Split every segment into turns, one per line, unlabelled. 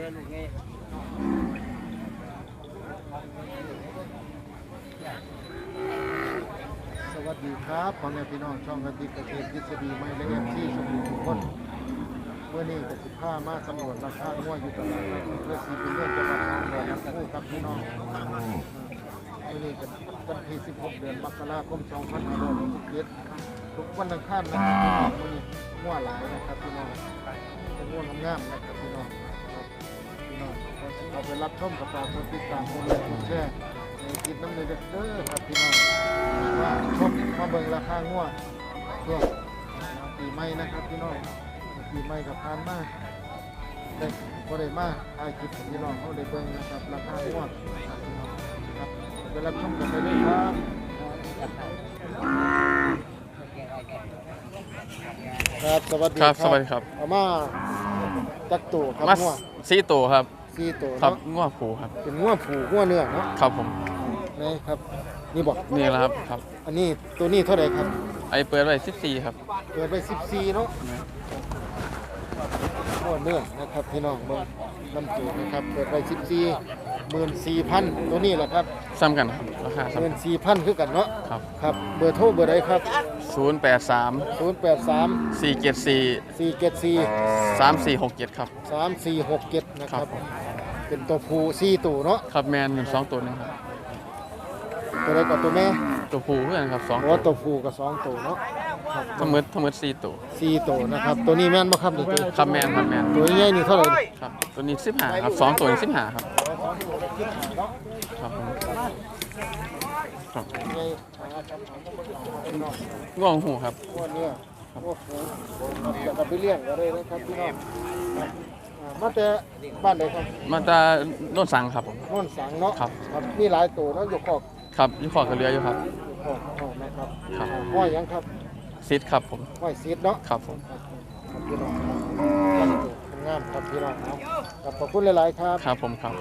สวัสดีครับพ่อแม่พี่น้องช่องกติกเกษตรทฤษฎีใหม่และที่สมบูรณ์ทุกคนเมื่อนี้จะ15มาสำรวจราคางัวอยู่ตลาดเพื่อสีเป็นเรื่องจังหวัดนครปฐมกับพี่น้องเมื่อนี้เป็นวันที่16 เดือนมกราคม 2567ทุกวันอังคารนะครับพี่น้องเมื่อนี้งัวหลายนะครับพี่น้องเป็นงัวงามๆนะครับพี่น้องพี่น้องเอาไปรับชมกับฝากกดติดตามกดไลค์กดแชร์ในคลิปน้ำเนยเด้อครับพี่น้องว่าชมมาเบิ่งราคางัวช่วงปีใหม่นะครับพี่น้องปีใหม่กับพานมาได้บ่ได้มาถ่ายคลิปพี่น้องเขาได้เบิ่งนะครับราคางัวครับพี่น้องครับไปรับชมกันได้เลยครับครับสวัสดีครับ
สวัสดีครับ
เอามาจักตัวครับ
มา
งัว
4 ตัวครับ
4ตัว
ครับ
เนาะ
งัวผูครับ
เป็นงัวผูงัวเนื้อเนาะ
ครับผม
นี่ครับนี่บอก
นี่แหละครับครับ
อันนี้ตัวนี้เท่าไหร่ครับ
ไอเปิดไว้14ครับ
เปิดไป14เนาะงัวเนื้อนะครับพี่น้องเบิ่งลำตัวนะครับเปิดไป14,000ตัวนี้แหละครับ
ซ้ำกันครับราคาซ้ำ
14,000คือกันเนาะ
ครับ
ครับเบอร์โทรเบอร์ใดครับ
083
083
474
474
3467ครับ
3467นะค
ครั
รับบ
ผม
เป็นตัวผู้4ตัวเนาะ
ครับแมน2ตัวนึงครับ
ตัวใดกับตัวแม่
ตัวผูเพื่อนครับ2
โอ้ตัวผู้กับ2ตัวเนาะครับ
ทั้งหมด4ตัว
4ตัวนะครับตัวนี้แม่นบ่ครับนี่ตัว
ครับแมนครับแมน
ตัวใหญ่นี่เท่าไหร่นี่
ครับตัวนี้15ครับ2ตัวนี้15ครับครับผมครับง่วงหูครับ
งัวเนื้อโอ้โหจะกลับไปเลี้ยงก็ได้นะครับพี่น้องมาแต่บ้านไหนครับ
มาตาโน่นสังครับผม
โน่นสังเนาะ
ครับ
มีหลายตัวเนาะอยู่คอก
ครับยี่ขอกระเรืออยู่ครับ
อยู่คอกนะครับ
ครับ
ห้อยหยังครับ
ซิดครับผม
ห้อยซีดเนาะ
ครับผม
ครับพี่น้องงามครับพี่น้องเนาะขอบคุณหลายๆครับ
ครับผมครับ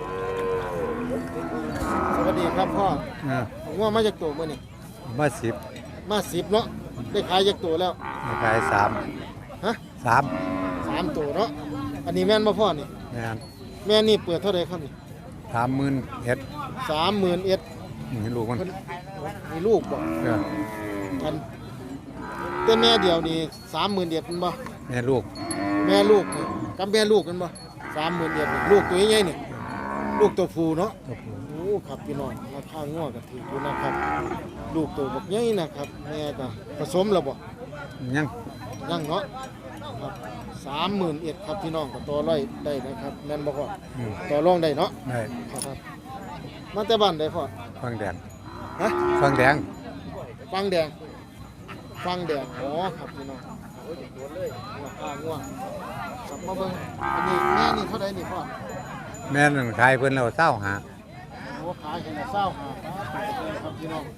สวัสดีครับพ่องัวมาจากตัวมื้อนี่
มาสิบ
มา10เนาะได้ขายจากตัวแล้ว
มาขาย
ฮะ
3
3ตัวเนาะอันนี้แม่นบ่พ่อนี่
งาน
แม่นี่เปิดเท่าไหร่ครับนี่
30,000เอ็ด
30,000เอ็ด
นี่ลูกมัน
เพิ่นมีลูกบ่
เออ
อันแต่แม่เดียวนี่30,000เอ็ดมันบ่
แม่ลูก
แม่ลูกนี่กับแม่ลูกกันบ่30,000เอ็ดนี่ลูกตัวใหญ่ๆนี่ลูกตัวผู้เนาะ
ตัวผู้
โอ้ครับพี่น้องราคางัวก็ถูกอยู่นะครับ ลูกตัวบักใหญ่นะครับแม่ก็ผสมแล้วบ่
ยัง
ยังเนาะครับ30,000เอ็ดครับพี่น้องก็ต่อร้อยได้นะครับแม่นบ่พ่อ
อืม
ต่อรองได้เนาะ
ได้
ครับมาแต่บ้านได้พ่อ
ฟังแดง
ฮะ
ฟังแดง
ฟังแดงฟังแดงอ๋อครับพี่น้องโอ้ยโดนเลยราคางัวกลับมาเบิ่งอันนี้แม่นี่เท่าใดนี่พ่อ
แม่นั่นขายเพิ่นแล้วเศร้าหา
โอ้ขายให้ละเศร้าครับพี่น้อง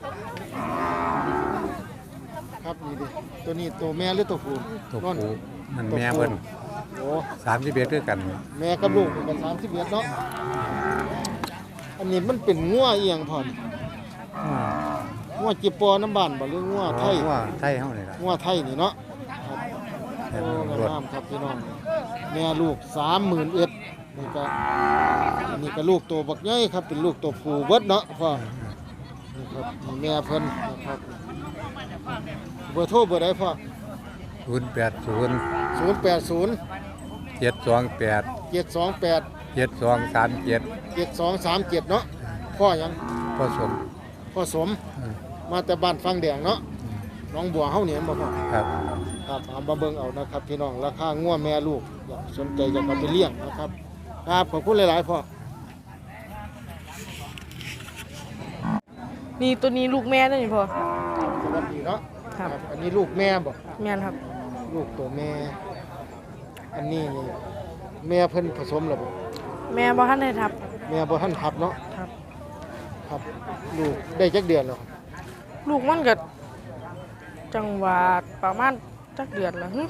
ครับนี่ดิตัวนี้ตัวแม่หรือตัวผู้
ตัว
นั่น
ผู้มันแม่เพิ่น
โอ้
31คือกัน
แม่กับลูกกัน30เดือนเนาะอันนี้มันเป็นงัวเอียงพ่อนี่
อืม
งัวจิปอน้ำบ้านบ่หรืองัวไทย
ว่าไทยเฮานี่ล่ะ
งัวไทยนี่เนาะครับ
แม่
โอ้
นรถ
งามครับพี่น้องแม่ลูก30,000เอ็ดนี่ก็อันนี้ก็ลูกตัวบักใหญ่ครับเป็นลูกตัวผู้เบิดเนาะพ่อนี่ครับนี่แม่เพิ่นนะครับเบอร์โทรเบอร์ใดพ่อ
080
080
728
728
7237
7237เนาะพ่อหยัง
ผสม
พ่อสม
อืม
มาแต่บ้านฟังแดงเนาะน้องบัวเฮานี่เห็นบ่พ่อ
ครับ
ครับเอามาเบิ่งเอานะครับพี่น้องราคางัวแม่ลูกอยากสนใจอยากเอาไปเลี้ยงนะครับครับขอบคุณหลายๆพ่อ
นี่ตัวนี้ลูกแม่ด้วยนี่พ่อ
สวัสดีเนาะ
ครับ
อันนี้ลูกแม่บ่
แม่นครับ
ลูกตัวแม่ อันนี้นี่แม่เพิ่นผสมแล้วบ่
แม่บ่ทันได้ทับ
แม่บ่ทันทับเนาะ
ครับ
ครับลูกได้จักเดือนแล้ว
ลูกมันก็จังหวะประมาณจักเดือนละหึ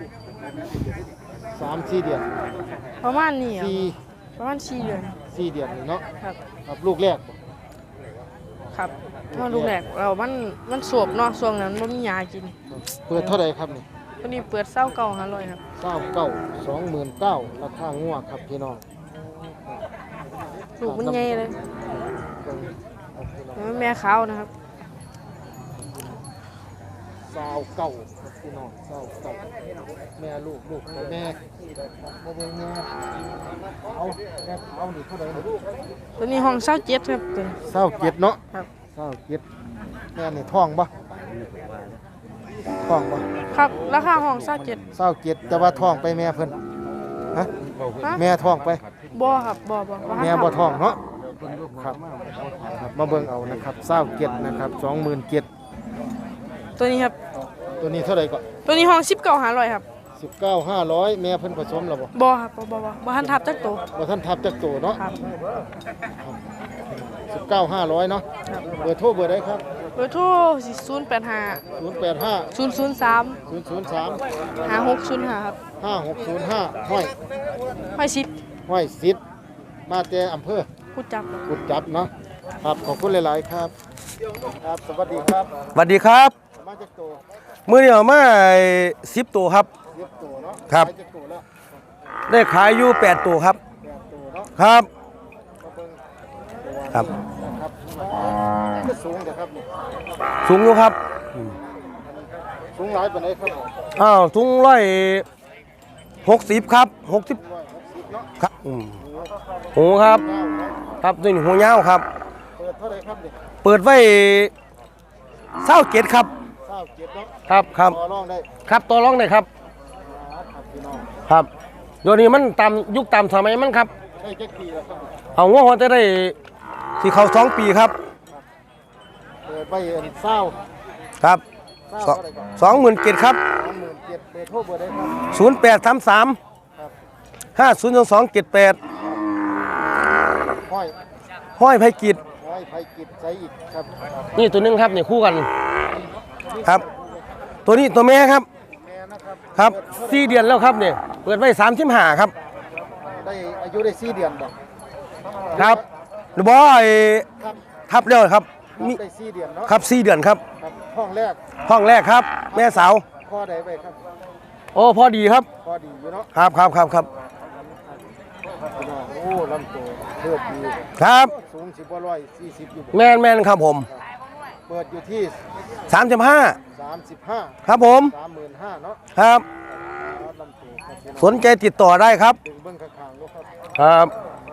3-4 เดือน
ประมาณนี้อะ
4
ประมาณ4เดือน
4 เดือนนี่เนาะ
ครับ
ครับลูกแรกบ่
ครับมาลูกแรกเรามันสวบเนาะช่วงนั้นบ่มียากิน
เปิดเท่าใดครับนี่
ตัวนี้เปิดเศร้าเก่า500ครับ
29 29,000ราคางัวครับพี่น้อง
ลูกมันใหญ่เลยแม่ขาวนะครับ
สาวเก่าครับพี่น้องสาวเก่าแม่ลูกกับแม่มาเบิ่งแม่เอาแม่เอานี่เท่าไหร่นี่
ตัวนี้ห้อง27ครับตัวนี้
เศร้าเก็ดเนาะ
ครับ
เศร้าเก็ดแม่นี่ท้องบ่ท้องบ่
ครับราคาห้อง27
เศร้าเก็ดแต่ว่าท้องไปแม่เพิ่นฮะ
ฮะ
แม่ท้องไป
บ่ครับบ่ทัน
แม่บ่ท้องเนาะครับครับมาเบิ่งเอานะครับเศร้าเก็ดนะครับ27,000
ตัวนี้ครับ
ตัวนี้เท่าไหร่ก็
ตัวนี้ห้อง19,500ครับ
19,500แม่เพิ่นผสมแล้วบ่
บ่ครับบ่ทันทับจักตัว
บ่ทันทับจักโตเนาะ
ครับ
19,500เนาะเบอร์โทรเบอร์ใดครับ
เบอร์โทร085
085
003
003
5605ครับ
5605ห้อย
ห้อยสิบ
ห้อยสิทธิ์มาแต่อำเภอ
พูดจับ
กุดจับเนาะครับขอบคุณหลาย ๆ ครับ ครับสวัสดีครับ
สวัสดีครับ
มาจากโต
มื้อนี้เอามา10ตัวครับ
เรียบโตเนาะ
ครับ
ขายจากโตแล้ว
ได้ขายอยู่8ตัวครับ
8โตเนาะ
ครับ
มาเบิ่งตัว
ครับ
นะครับก็สูงแต่ครับนี่
สูงอยู่ครับ
สูงหลายปานใดครับผม
อ้าวถุง160ครับ60
160เนาะ
ครับหูครับ
เก้าเนาะ
ครับตัวนี้หูยาวครับ
เปิดเท่าไหร่ครับนี่
เปิดไว้27ครับ
27เนาะ
ครับครับ
ต่อรองได้
ครับตัวร้องได้ครับ
ครับพี่น้อง
ครับเดี๋ยวนี้มันตามยุคตามสมัยมันครับ
ได้จักปีแล้วครับ
เอางัวหัวจะได้สิเข้า2ปีครับ
เปิดไว้อันเศร้า
ครับ
เศร้าเท่าไหร่ครับ
27,000ครับ
27,000เบอร์โทรเบอร์ใดครับ
0833
ครับ
502278
ห้อย
ห้อยไผกิจ
ห้อยไผกิจใจอีกครับ
นี่ตัวหนึงครับนี่คู่กันครับ ตัวนี้ตัวแม่ครับ
แม่นะครับ
ครับ4เดือนแล้วครับเนี่ยเปิดไว้35ครับ
ได้อายุได้4เดือนบ่
ครับหรือบอย
ครับ
ทับแล้วครับ
ครับ
มี
ได้4เดือนเนาะ
ครับ4เดือนครับ
ครับห้องแรก
ห้องแรกครับ แม่สาว
พ่อใดไปครับ
โอ้พอดีครับ
พอดีอยู่เนาะ
ครับครับครับครับ
พี่น้องโอ้ลำตัวเลือดดี
ครับ
สูง10กว่า140อยู่บ่
แมนแมนครับผม
เปิดอยู่ที่
35
35
ครับผม
35,000เนาะ
ครับ
ลำตัวครับพี่น้อง
สนใจติดต่อได้ครับ
ดึงเบิ่งข้างๆลูกครับ
ครับ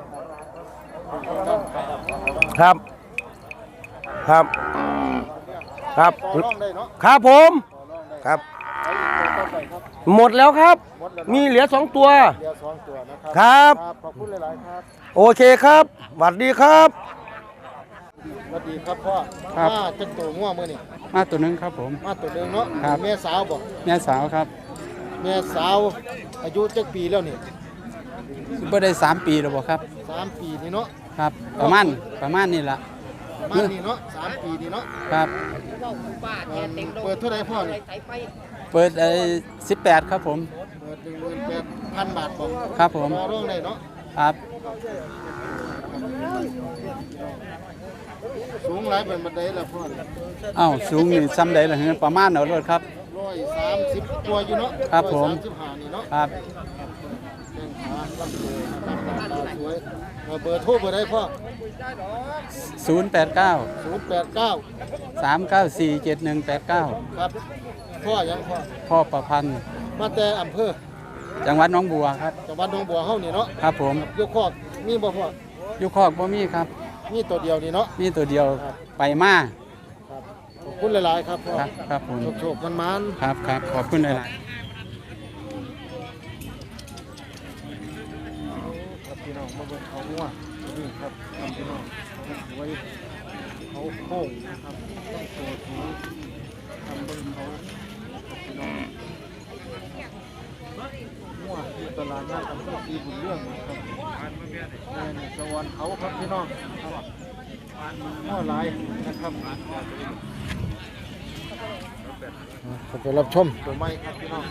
ครับครับครับ
ต่อรองได้เนาะ
ครับผม
ต่อรองได้
ครับ
ไปอีกตัวต่อไปครับ
หมดแล้วครับ
หมดแล้ว
มีเหลือ2ตัว
เดียว2ตัวนะครับ
ครับ
ขอบคุณหลายๆครับ
โอเคครับสวัสดีครับ
สวัสดีครับพ่อ
ครับ
มาจักตัวง่วงมื้อนี่
มาตัวหนึงครับผม
มาตัวหนึงเนาะ
ครับ
แม่สาวบ่
แม่สาวครับ
แม่สาวอายุจักปีแล้วนี่
บ่ได้3 ปีแล้วบ่ครับ
3 ปีนี่เนาะ
ครับ ประมาณนี่ละ
มานี่เนาะ3 ปีนี่เนาะ
ครับ
เปิดเท่าไหร่พ่อนี่
เปิด18ครับผม
เปิด 18,000 บาทบ่
ครับผม
ต่อรองได้เนาะ
ครับ
สูงหลายเป็นบันไดละพ่อนี่
อ้าวสูงนี่ซ้ำใดล่ะฮะประมาณเอารถครับ
130ตัวอยู่เนาะ
ครับผม
135นี่เนาะ
ครับ
แข้งขาลำตัวนะครับหน้าตาสวยเบอร์โทรเบอร์ใดพ่อ
089
089
394 7189
ครับพ่อยังพ่อ
พ่อประพันธ์
มาแต่อำเภอ
จังหวัดหน้องบัวครับ
จังหวัดหนองบัวเฮานี่เนาะ
ครับผม
ยกคอกมีบ่พ่อ
อยู่คอกบ่มีครับ
มีตัวเดียวนี่เนาะ
มีตัวเดียวไปมา
ครับขอบคุณหลายๆครับพ่อ
ครับครับผม
โชคๆมัน
ครับครับขอบคุณหลาย
ๆครับพี่น้องมาเบิ่งเขางัวนี่ครับพี่น้องสวยเขาโค้งนะครับต้องตัวสูงทำเบิ่งเขาครับพี่น้องงัวที่ตลาดนัดอำเภอศรีบุญเรื่องนะครับแม่นี่สวรรค์เขาครับพี่น้องครับงัวหลายนะครับขอบคุณรับชมตัวไม้ครับพี่น้อง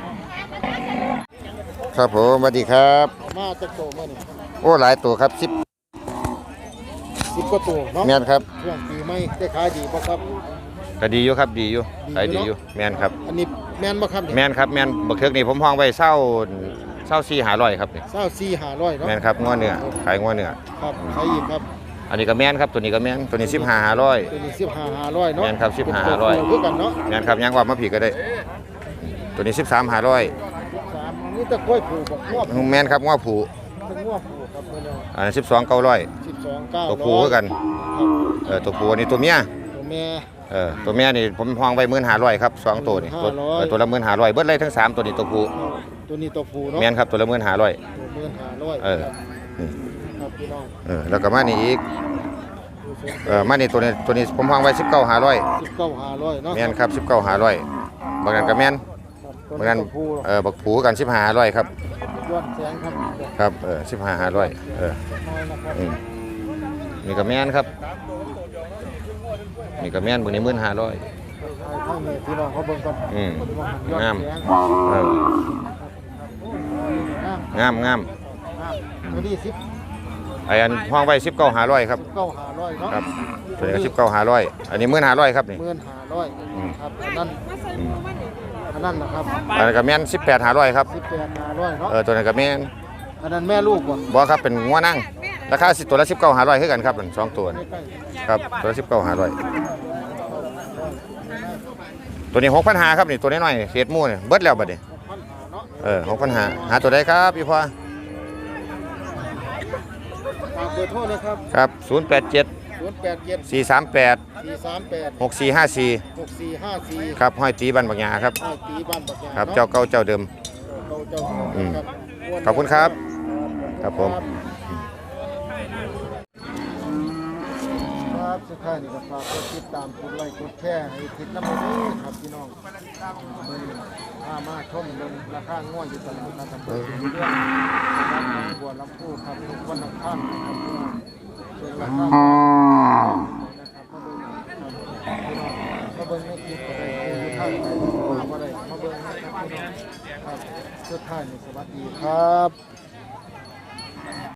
ครับผมสวัสดีครับ
มาจากโตเมื่อนี่
โอ้หลายตัวครับ
10กว่าตัวเนาะ
แมนครับ
ช่วงปีใหม่ได้ขายดีบ่ครับ
ก็ดีอยู่ครับดีอยู่
ดีอยู่
ขายดีอยู่แมนครับ
อันนี้แม่นบ่ครับเนี่ย
แมนครับแมนบักเทือกนี่ผมห้องไว้เศร้า 24,500ครับนี่
24,500เนาะ
แม่นครับงัวเนื้อขายงัวเนื้อ
ครับใครอีกครับ
อันนี้ก็แม่นครับตัวนี้ก็แม่นตัวนี้15,500
ตัวนี้15,500เนาะ
แม่นครับ15,500
คือกันเนาะ
แม่นครับยังว่ามาผีก็ได้ ตัวนี้13,500
3นี่ตะกล้วยผูกบอกงวบ
แม่นครับงัวผู
เป็นงวบผูกครับเพิ่นเอา
อันนั้น12,900
12,900
ตัวผูคือกัน
ครับ
ตัวผูอันนี้ตัวเมีย
ตัวแม่
ตัวแม่นี่ผมห้องไว้15,500ครับ2ตัวนี่ตัวละ15,500เบิดเลยทั้ง3ตัวนี้ตัวผู
ตัวนี้ตัวผูเนาะ
แม่นครับตัวละ15,500
ตัว15,500
เออ นี่
ครับพี่น้อง
แล้วก็มานี่อีกมานี่ตัวนี้ผมห้องไว้19,500
19,500เนาะ
แม่นครับ19,500บางนั้นก็แม่น
ตัว
บางนั้น
ตัวผู
บักผูกัน15,500ครับ
ย้อนแสงครับ
ครับ15,500
น้อยนะครับ
นี่ก็แม่นครับนี่ก็แม่นเบิ่งนี่15,500
ข้างนี้พี่น้องเขาเบิ่งก่อน
งาม
ย้อนแส
เออง
งาม
งาม
ตัวนี้
ไอ้อันห้องไว้19,500ครับ
19,500เนาะ
ครับตัวนี้ก็19,500อันนี้15,500ครับนี่
15,500ครับอันนั้นนะครับ
อันนั้นก็แม่น18,500ครับ
18,500เนาะ
ตัวนั้นก็แม่น
อันนั้นแม่ลูกบ่
บ่ครับเป็นงัวนั่งราคาตัวละ19,500คือกันครับสองตัวนี่ครับตัวละ19,500ตัวนี้6,500ครับนี่ตัวน้อยๆเศษหมูนี่เบิดแล้วบัดนี้ 6,500หาตัวใดครับพี่พ่อ
ฝากเบอร์โทรนะครับ
ครับ
087
087 438
438
6454
6454
ครับห้อยตีบันบักหยาครับ
ให้ตีบ้านบักยา
ครับ
นะ
เจ้าเก่าเจ้าเดิม
เจ้า
อืม
ครับ
ขอบคุณครับ ครับผม
ครับสุดท้ายนี่ก็ฝากกดติดตามกดไลค์กดแชร์ให้ทิศน้ำมันนี้ครับพี่น้องมื้อนี้มาชมเรื่องราคาง่วยอยู่ตลาดนัดอำเภอเรื่องนะครับบัวลำพูครับทุกวันอังคารครับพี่น้องส่วนราคานะครับมาเบิ่งในคลิปก็ได้คือท่านไปมาบ่ได้มาเบิ่งนะครับพี่น้องครับสุดท้ายนี่สวัสดีครับ